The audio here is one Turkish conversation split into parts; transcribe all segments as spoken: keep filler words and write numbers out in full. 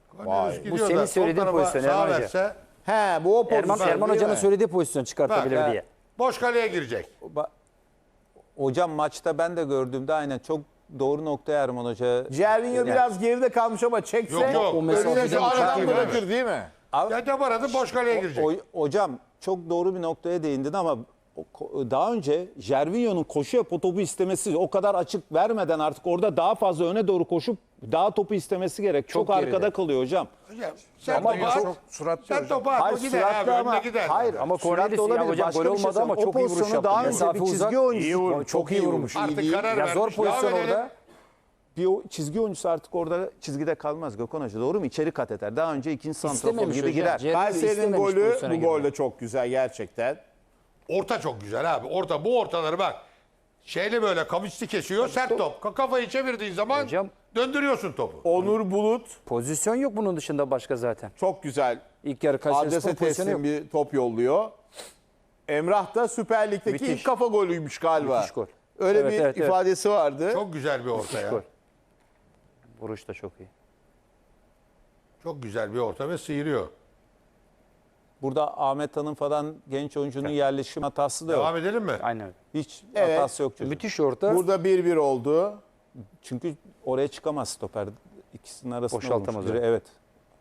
Vay. Bu senin söylediğin pozisyon Erman Hoca. verse, He bu o pozisyon. Erman, Erman değil Hoca'nın mi? söylediği pozisyon çıkartabilir Bak, diye. boş kaleye girecek. Ba- Hocam maçta ben de gördüğümde aynen çok doğru noktaya Erman Hoca. Cervinho Yani- biraz geride kalmış ama çekse Yok, yok. O mesafeden önüne şu çok aradan iyi bırakır değil mi? Ya da aradı boş kaleye girecek. O- hocam çok doğru bir noktaya değindin ama o- ko- daha önce Jervinho'nun koşu yapıp topu istemesi o kadar açık vermeden artık orada daha fazla öne doğru koşup daha topu istemesi gerek. Çok, Çok arkada geride. kalıyor hocam. Hocam, sen Ama topu at. çok suratlı Sen hocam. topu at. Hayır o gider süratli abi. ama Önüne gider. hayır Ama süratli Cornelius ya olabilir. hocam, Başka gol bir şey olmadı ama söyleyeyim. çok O iyi vuruş pozisyonu yaptı. daha önce Mesafe bir çizgi uzak. oyuncusu. İyi vurmuş. Çok iyi vurmuş. Artık karar Ya vermiş. zor Devam pozisyon edelim. orada. Bir o çizgi oyuncusu artık orada çizgide kalmaz Gökhan Hoca. Doğru mu? İçeri kat eder. Daha önce ikinci santrafor İstememiş gibi hocam. girer. Cervinho Kayseri'nin istememiş golü pozisyona bu girmeyi. gol de çok güzel gerçekten. Orta çok güzel abi. Orta bu ortaları bak. Şeyle böyle kavisli kesiyor. Sert top. Ka- Kafayı çevirdiğin zaman Hocam- döndürüyorsun topu. Onur Bulut Pozisyon yok bunun dışında başka zaten. çok güzel İlk yarı Kayserispor adrese pozisyonu yok. teslim bir top yolluyor. Emrah da Süper Lig'deki Müthiş. ilk kafa golüymüş galiba. Müthiş gol. Öyle Evet, bir evet, evet. ifadesi vardı. Çok güzel bir orta ya. Gol. Vuruş da çok iyi. Çok güzel bir orta ve sıyırıyor. Burada Ahmet Hanım falan genç oyuncunun yerleşim hatası da yok. Devam edelim mi? Aynen öyle. Hiç Evet. hatası yok çocuğun. Müthiş orta. Burada bir bir oldu. Çünkü oraya çıkamaz stoper. İkisinin arasında Boşaltamaz olmuş. öyle. Evet.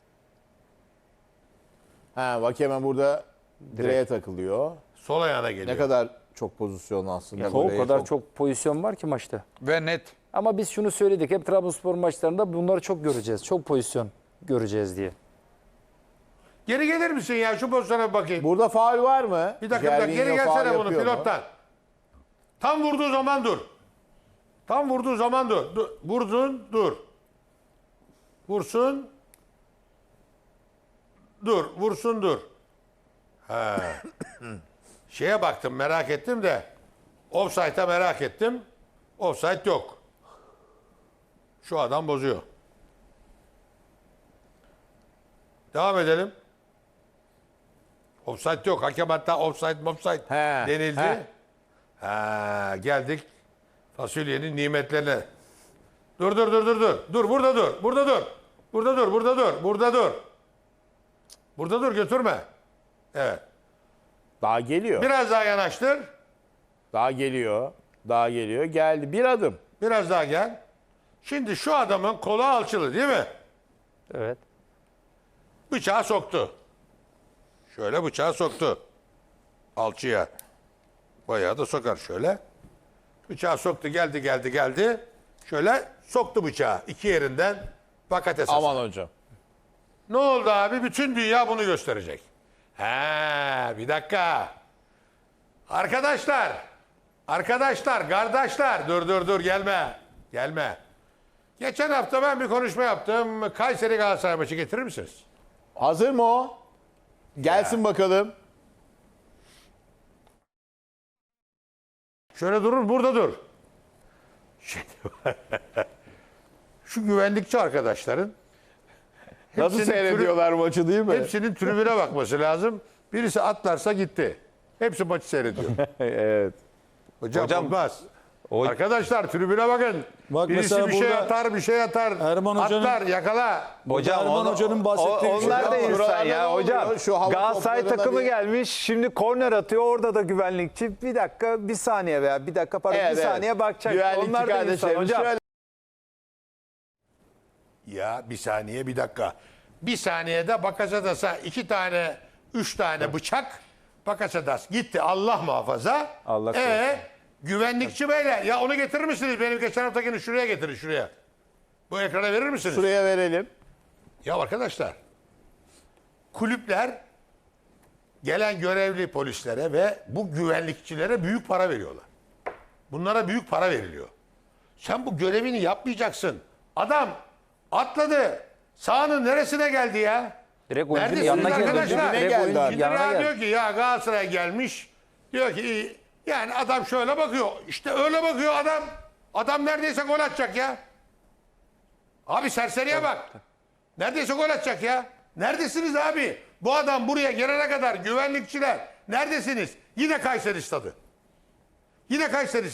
Ha bak hemen burada direğe takılıyor. Sol ayağına geliyor. Ne kadar çok pozisyon aslında. o goleye kadar çok- çok pozisyon var ki maçta. Ve net. Ama biz şunu söyledik. Hep Trabzonspor maçlarında bunları çok göreceğiz. Çok pozisyon göreceğiz diye. Geri gelir misin ya? Şu pozisyona bir bakayım. Burada faul var mı? Bir dakika, bir dakika. Geri Cervinho faul gelsene bunu yapıyor mu? pilottan. Tam vurduğu zaman dur. Tam vurduğu zaman dur. dur. Vurdun, dur. Vursun. Dur, vursun, dur. Ha. Şeye baktım, merak ettim de. Offside'a merak ettim. Offside yok. Şu adam bozuyor. Devam edelim. Offside yok. Hakem hatta offside offside He, denildi. he. Ha, geldik fasulyenin nimetlerine. Dur dur dur dur dur. Dur burada dur. Burada dur. Burada dur. Burada dur. Burada dur. Burada dur götürme. Evet. Daha geliyor. Biraz daha yanaştır. Daha geliyor. Daha geliyor. Geldi. Bir adım. Biraz daha gel. Şimdi şu adamın kolu alçılı değil mi? Evet. Bıçağı soktu. Şöyle bıçağı soktu. Alçıya. Bayağı da sokar şöyle. Bıçağı soktu geldi geldi geldi. Şöyle soktu bıçağı iki yerinden fakat esas. Aman hocam. Ne oldu abi? Bütün dünya bunu gösterecek. He, bir dakika. Arkadaşlar. Arkadaşlar, kardeşler. Dur dur dur gelme. Gelme. Geçen hafta ben bir konuşma yaptım. Kayseri Galatasaray maçı getirir misiniz? Hazır mı o? Gelsin bakalım. Şöyle durur, burada dur. Şimdi, şu güvenlikçi arkadaşların Nasıl hepsinin seyrediyorlar maçı değil mi? tribü- hepsinin tribüne bakması lazım. Birisi atlarsa gitti. Hepsi maçı seyrediyor. Evet. Hocam, Hocam, olmaz. o- Arkadaşlar tribüne bakın. Bak Birisi mesela bir şey burada atar, bir şey atar. Erman Hoca'nın- Atlar, yakala. Hocam Erman onu- Hoca'nın bahsettiği o- şey onlar da var. insan Buralarda ne ya oluyor? hocam. Şu hava Galatasaray toplarına takımı bir- gelmiş. Şimdi korner atıyor. Orada da güvenlikçi. Bir dakika, bir saniye veya bir dakika pardon Evet, bir evet. saniye bakacak. Güvenlikçi Onlar da insan kardeşlerimiz hocam. şöyle- Ya bir saniye, bir dakika. Bir saniyede Bakasetas'a iki tane, üç tane bıçak. Bakasetas gitti. Allah muhafaza. Allah korusun. Ee, güvenlikçi beyler. Ya onu getirir misiniz? Benim geçen haftakini şuraya getirin, şuraya. Bu ekrana verir misiniz? Şuraya verelim. Ya arkadaşlar, kulüpler gelen görevli polislere ve bu güvenlikçilere büyük para veriyorlar. Bunlara büyük para veriliyor. Sen bu görevini yapmayacaksın. Adam atladı. Sahanın neresine geldi ya? Direkt oyuncunun Neredesiniz yanına geldi. arkadaşlar? Dibine Direkt geldi oyuncunun abi. Şimdi yanına ya geldi. diyor ki ya Galatasaray gelmiş. Diyor ki iyi. Yani adam şöyle bakıyor. İşte öyle bakıyor adam. Adam neredeyse gol atacak ya. Abi serseriye bak. Neredeyse gol atacak ya. Neredesiniz abi? Bu adam buraya gelene kadar güvenlikçiler neredesiniz? Yine Kayseri stadı. Yine Kayseri stadı.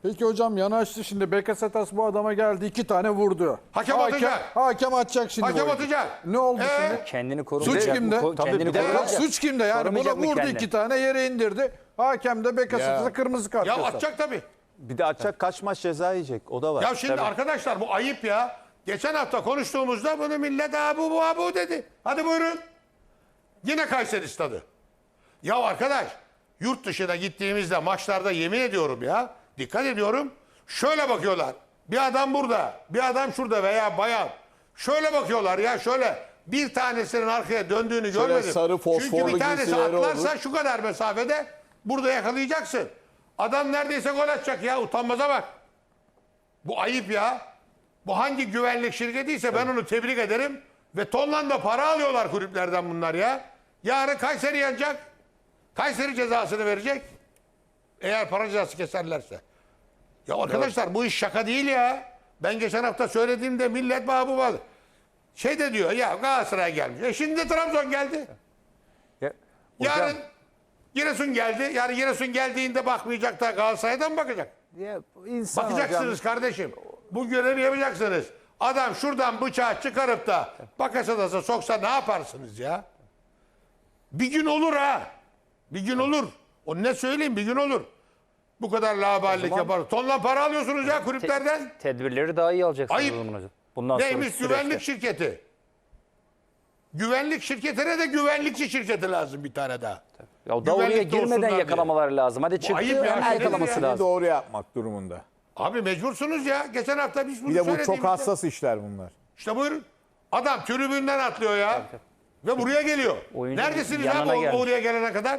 Peki hocam yanaştı şimdi. Bekasetas bu adama geldi. iki tane vurdu. Hakem atacak. Hakem atacak şimdi. Hakem bu oyuncu. atacak. Ne oldu Ee? şimdi? Kendini korumayacak. Suç kimde? Ko- Tabii kendini bir de- korumayacak. Suç kimde yani? Buna Korumayacak mı vurdu kendini? iki tane yere indirdi. Hakem de Bekasetas'a Ya. kırmızı kart Ya gösterdi. atacak tabii. Bir de atacak kaç maç ceza yiyecek o da var. Ya şimdi arkadaşlar bu ayıp ya. Geçen hafta konuştuğumuzda bunu millet abu bu abu dedi. Hadi buyurun. Yine Kayseri stadı. Ya arkadaş yurt dışına gittiğimizde maçlarda yemin ediyorum ya. Dikkat ediyorum. Şöyle bakıyorlar. Bir adam burada, bir adam şurada veya bayan. Şöyle bakıyorlar ya şöyle. Bir tanesinin arkaya döndüğünü Şöyle şey görmedim. sarı Çünkü fosforlu bir tanesi giysileri atlarsa olur. şu kadar mesafede burada yakalayacaksın. Adam neredeyse gol atacak ya. Utanmaza bak. Bu ayıp ya. Bu hangi güvenlik şirketiyse ben onu tebrik ederim. Ve tonla da para alıyorlar kulüplerden bunlar ya. Yarın Kayseri yanacak. Kayseri cezasını verecek. Eğer para cezası keserlerse. Ya arkadaşlar bu iş şaka değil ya. Ben geçen hafta söylediğimde millet bana bu var. Şey de diyor ya Galatasaray gelmiş. E şimdi de Trabzon geldi. Ya, hocam, Yarın Giresun geldi. Yani Giresun geldiğinde bakmayacak da Galatasaray'dan mı bakacak? ya, insan Bakacaksınız hocam. kardeşim. Bu görevi yapacaksınız. Adam şuradan bıçağı çıkarıp da Bakasetas'a soksa ne yaparsınız ya? Bir gün olur ha. Bir gün olur. O ne söyleyeyim bir gün olur. Bu kadar laballik zaman- yapar. Tonla para alıyorsunuz ya kulüplerden. Tedbirleri daha iyi alacaksınız Ayıp. o zaman hocam. Bundan Neymiş sonraki güvenlik süreçte. şirketi. Güvenlik şirketine de güvenlikçi şirketi lazım bir tane daha. Ya da oraya Güvenlikte girmeden olsunlar yakalamaları lazım. Hadi çıktı ayıp ya, hemen şey yakalaması nedir ya? lazım. Doğru yapmak durumunda. Abi mecbursunuz ya. Geçen hafta biz bunu Bir de bu çok söylediğimizde- hassas işler bunlar. İşte buyurun. Adam tribünden atlıyor ya. Ve buraya geliyor. Oyuncu Neredesiniz ya yanına bu- gelmiş. oraya gelene kadar?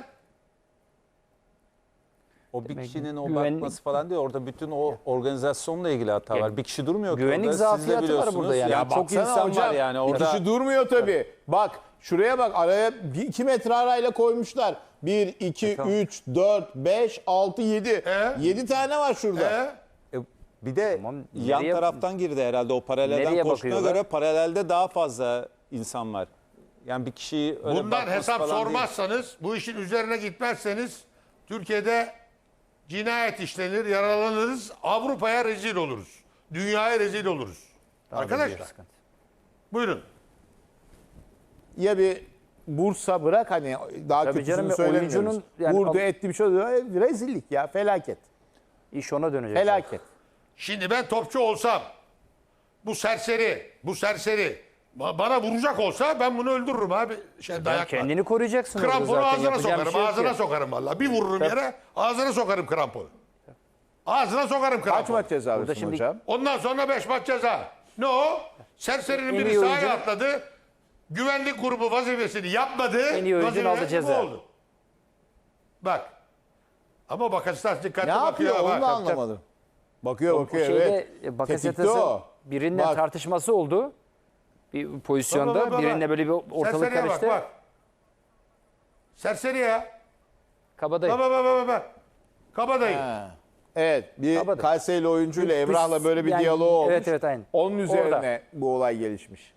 O bir kişinin o güvenlik- bakması falan değil. Orada bütün o organizasyonla ilgili hata var. Bir kişi durmuyor ki güvenlik orada. Siz de zafiyeti var biliyorsunuz. burada yani. Ya Ya çok baksana insan hocam, var yani Bir orada. kişi durmuyor tabii. Bak şuraya bak araya bir, iki metre arayla koymuşlar. Bir, iki, üç, dört, beş, altı, yedi. E? Yedi tane var şurada. Ee? E, Bir de Tamam, yan nereye- taraftan girdi herhalde o paralelden Nereye koştuğuna bakıyorlar? göre paralelde daha fazla insan var. Yani bir kişiyi öyle Bundan bakması hesap falan değil. sormazsanız, bu işin üzerine gitmezseniz Türkiye'de cinayet işlenir, yaralanırız, Avrupa'ya rezil oluruz. Dünyaya rezil oluruz. Arkadaşlar buyurun. Ya bir Bursa bırak hani daha Tabii kötüsünü canım, ya söylemiyoruz. oyuncunun yani Vurdu al- etti bir şey oluyor. E, Rezillik ya felaket. İş ona dönecek. Felaket. Şimdi ben topçu olsam, bu serseri, bu serseri ba- bana vuracak olsa ben bunu öldürürüm abi. Şey, dayakla. Kendini koruyacaksın orada Kramponu zaten. ağzına Yapacağın bir sokarım, şey yok ağzına ki. sokarım vallahi. Bir vururum yere, ağzına sokarım kramponu. Ağzına sokarım Kaç kramponu. maç ceza Burada alıyorsun şimdi- hocam? Ondan sonra beş maç ceza. Ne o? Serserinin En biri iyi sahaya oyuncu- atladı. Güvenlik grubu vazifesini yapmadı. En iyi oyuncunun Vazifesi aldı ceza. bu oldu. Bak. Ama Bakasetas dikkatli Ne bakıyor. yapıyor onu bak. da anlamadım. Bakıyor O bakıyor şeyde evet. e, Tetikte Bakasetas'ın o. birinden Bak. tartışması oldu. Bir pozisyonda Bak, bak, bak, bak. birinde böyle bir ortalık Serseriye karıştı. bak bak. Serseri ya. Kabadayı. Bak bak bak bak. bak. Kabadayı. Ha. Evet bir Kabadayı. Kayseri'li oyuncuyla Bir- Emrah'la böyle bir yani- diyaloğu olmuş. evet, evet, aynen. Onun üzerine Orada. bu olay gelişmiş.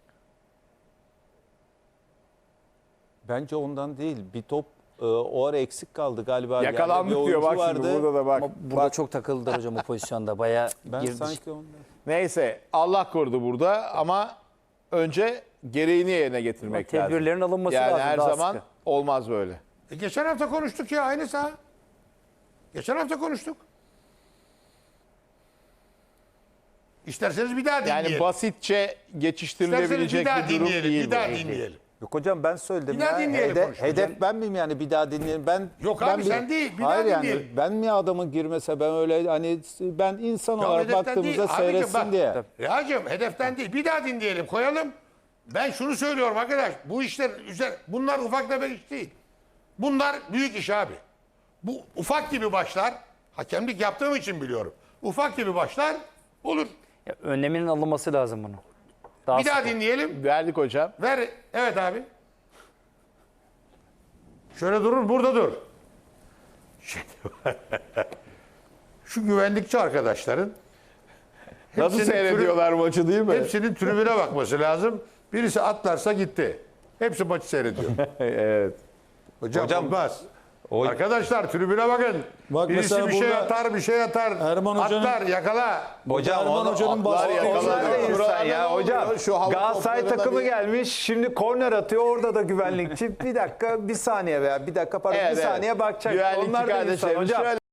Bence ondan değil. Bir top e, o ara eksik kaldı galiba. Yakalandık Yani bir diyor oyuncu bak şimdi burada da bak. Ama burada Bak, çok takıldılar hocam o pozisyonda. Bayağı Ben girdi. sanki ondan. Neyse Allah korudu burada ama önce gereğini yerine getirmek Ama lazım. tedbirlerin alınması yani lazım, her daha zaman sıkı. olmaz böyle. E, geçen hafta konuştuk ya aynı saha. Geçen hafta konuştuk. İsterseniz bir daha dinleyelim. Yani basitçe İsterseniz geçiştirilebilecek bir daha bir durum dinleyelim. değil Bir daha bu. dinleyelim. Yok hocam ben söyledim Bir daha ya. dinleyelim Hede- konuşalım. hedef ben miyim yani bir daha dinleyelim. Ben Yok ben abi sen değil, bir Hayır daha yani dinleyelim. ben mi adamın girmese ben öyle hani ben insan Ya olarak hedeften baktığımızda değil. Abicim seyretsin bak, diye. Rihacığım hedeften değil. Bir daha dinleyelim koyalım. Ben şunu söylüyorum arkadaş. Bu işler üzer, bunlar ufak tefek iş değil. Bunlar büyük iş abi. Bu ufak gibi başlar. Hakemlik yaptığım için biliyorum. Ufak gibi başlar olur. Ya, önleminin alınması lazım bunu. Daha Bir daha sıkı. dinleyelim. Verdik hocam. Ver. Evet abi. Şöyle durur, burada dur. Şimdi- Şu güvenlikçi arkadaşların Nasıl hepsinin seyrediyorlar maçı değil mi? hepsinin tribüne bakması lazım. Birisi atlarsa gitti. Hepsi maçı seyrediyor. evet. Hocam, Hocam- olmaz. O- Arkadaşlar tribüne bakın. Bak Birisi mesela bir şey burada atar, bir şey atar. Erman Hoca'nın- Atlar, yakala. Hocam Erman onu- Hoca'nın atlar bahsettiği yakaladı. Onlar da insan Buralarda ya ne hocam. oluyor? Şu hava Galatasaray toplarına takımı bir- gelmiş. Şimdi korner atıyor. Orada da güvenlikçi bir dakika bir saniye veya bir dakika pardon Evet, bir evet. saniye bakacak. Güvenlikçi Onlar da insan kardeşlerim hocam. şöyle-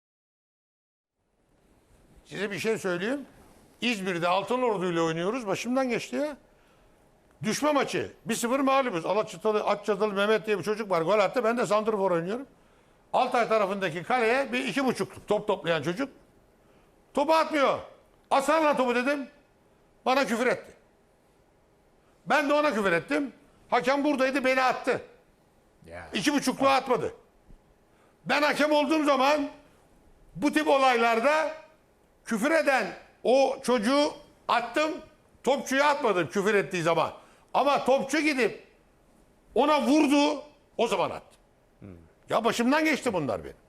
Size bir şey söyleyeyim. İzmir'de Altınordu ile oynuyoruz. Başımdan geçti ya. Düşme maçı. bir sıfır mağlubuz. Alaçatılı, Atçatılı Mehmet diye bir çocuk var. Gol attı. Ben de santrfor oynuyorum. Altay tarafındaki kaleye bir iki buçuk top toplayan çocuk. Topu atmıyor. Atsana lan topu dedim. Bana küfür etti. Ben de ona küfür ettim. Hakem buradaydı, beni attı. İki buçukluğa atmadı. Ben hakem olduğum zaman bu tip olaylarda küfür eden o çocuğu attım. Topçuya atmadım küfür ettiği zaman. Ama topçu gidip ona vurdu, o zaman attım. Ya başımdan geçti bunlar benim.